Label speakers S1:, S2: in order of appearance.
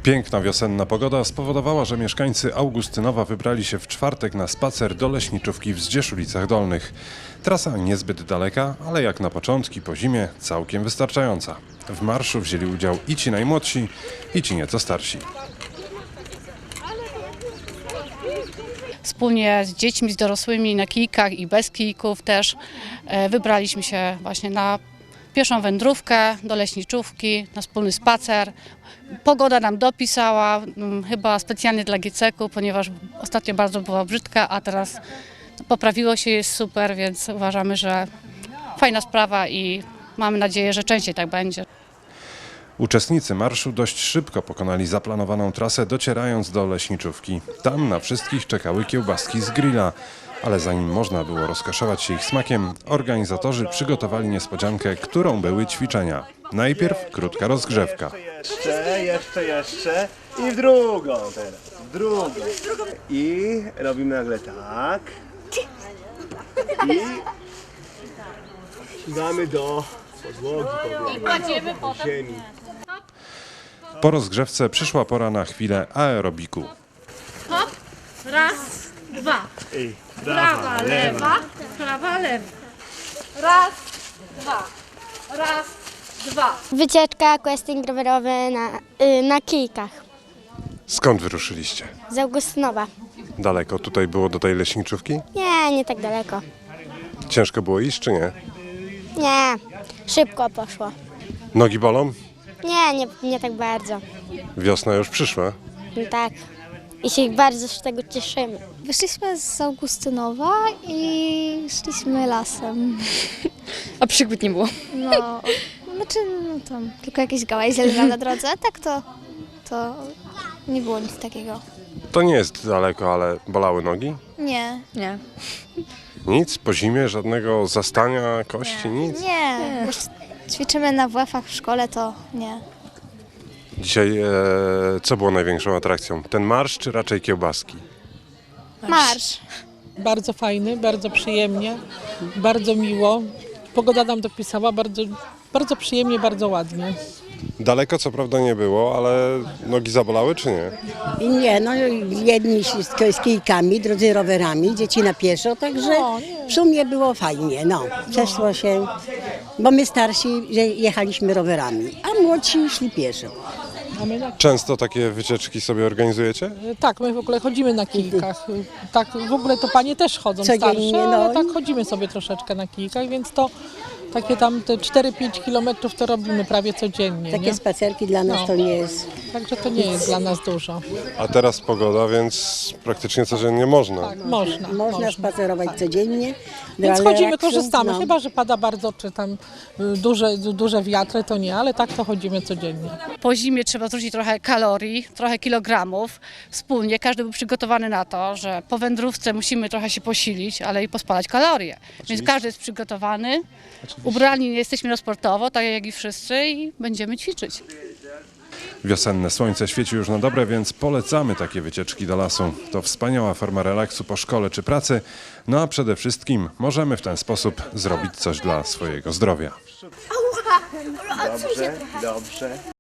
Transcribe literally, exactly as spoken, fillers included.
S1: Piękna wiosenna pogoda spowodowała, że mieszkańcy Augustynowa wybrali się w czwartek na spacer do leśniczówki w Zdzieszulicach Dolnych. Trasa niezbyt daleka, ale jak na początki po zimie całkiem wystarczająca. W marszu wzięli udział i ci najmłodsi, i ci nieco starsi.
S2: Wspólnie z dziećmi, z dorosłymi na kijkach i bez kijków też wybraliśmy się właśnie na pieszą wędrówkę do leśniczówki, na wspólny spacer. Pogoda nam dopisała, chyba specjalnie dla G C K u, ponieważ ostatnio bardzo była brzydka, a teraz poprawiło się, jest super, więc uważamy, że fajna sprawa i mamy nadzieję, że częściej tak będzie.
S1: Uczestnicy marszu dość szybko pokonali zaplanowaną trasę, docierając do leśniczówki. Tam na wszystkich czekały kiełbaski z grilla, ale zanim można było rozkoszować się ich smakiem, organizatorzy przygotowali niespodziankę, którą były ćwiczenia. Najpierw krótka rozgrzewka.
S3: Jeszcze, jeszcze, jeszcze i w drugą teraz, w drugą. I robimy nagle tak. I siadamy do podłogi, podłogi, do ziemi.
S1: Po rozgrzewce przyszła pora na chwilę aerobiku.
S2: Hop, raz, dwa.
S3: I
S2: Prawa, lewa, prawa, lewa. Raz, dwa. Raz, dwa.
S4: Wycieczka, questing rowerowy na, y, na kijkach
S1: Skąd wyruszyliście?
S4: z Augustynowa.
S1: Daleko tutaj było do tej leśniczówki?
S4: Nie, nie tak daleko.
S1: Ciężko było iść czy nie?
S4: Nie, szybko poszło.
S1: Nogi bolą?
S4: Nie, nie, nie tak bardzo.
S1: Wiosna już przyszła.
S4: No tak. I się bardzo z tego cieszymy.
S5: Wyszliśmy z Augustynowa i szliśmy lasem.
S6: A przygód nie było.
S5: No, znaczy no tam tylko jakieś gałęzie na drodze, a tak to, to nie było nic takiego.
S1: To nie jest daleko, ale bolały nogi?
S5: Nie.
S6: Nie.
S1: Nic? Po zimie? Żadnego zastania kości? Nic?
S5: Nie. Już ćwiczymy na W F-ach w szkole, to nie.
S1: Dzisiaj e, co było największą atrakcją? Ten marsz czy raczej kiełbaski?
S5: Marsz.
S7: Bardzo fajny, bardzo przyjemnie, bardzo miło. Pogoda nam dopisała, bardzo, bardzo przyjemnie, bardzo ładnie.
S1: Daleko co prawda nie było, ale nogi zabolały czy nie?
S8: Nie, no jedni z, z kijkami, drudzy rowerami, dzieci na pieszo, także w sumie było fajnie, no. Przeszło się, bo my starsi że jechaliśmy rowerami, a młodsi szli pieszo.
S7: A my na,
S1: Często takie wycieczki sobie organizujecie?
S7: tak, my w ogóle chodzimy na kijkach. Tak, w ogóle to panie też chodzą
S8: Codziennie,
S7: starsze,
S8: no.
S7: ale tak chodzimy sobie troszeczkę na kijkach, więc to takie tam te cztery pięć kilometrów to robimy prawie codziennie.
S8: Takie
S7: Nie?
S8: spacerki dla nas
S7: No.
S8: to nie jest.
S7: Także to nie jest dla nas dużo.
S1: A teraz pogoda, więc praktycznie codziennie można.
S7: Tak, można.
S8: Można spacerować codziennie.
S7: Więc
S8: dla
S7: chodzimy,
S8: relaksu,
S7: korzystamy.
S8: no.
S7: Chyba że pada bardzo, czy tam y, duże, du- duże wiatry, to nie, ale tak to chodzimy codziennie.
S2: Po zimie trzeba zrzucić trochę kalorii, trochę kilogramów. Wspólnie każdy był przygotowany na to, że po wędrówce musimy trochę się posilić, ale i pospalać kalorie. Więc każdy jest przygotowany. Ubrani jesteśmy na sportowo, tak jak i wszyscy, i będziemy ćwiczyć.
S1: Wiosenne słońce świeci już na dobre, więc polecamy takie wycieczki do lasu. To wspaniała forma relaksu po szkole czy pracy, no a przede wszystkim możemy w ten sposób zrobić coś dla swojego zdrowia.
S3: Dobrze, dobrze.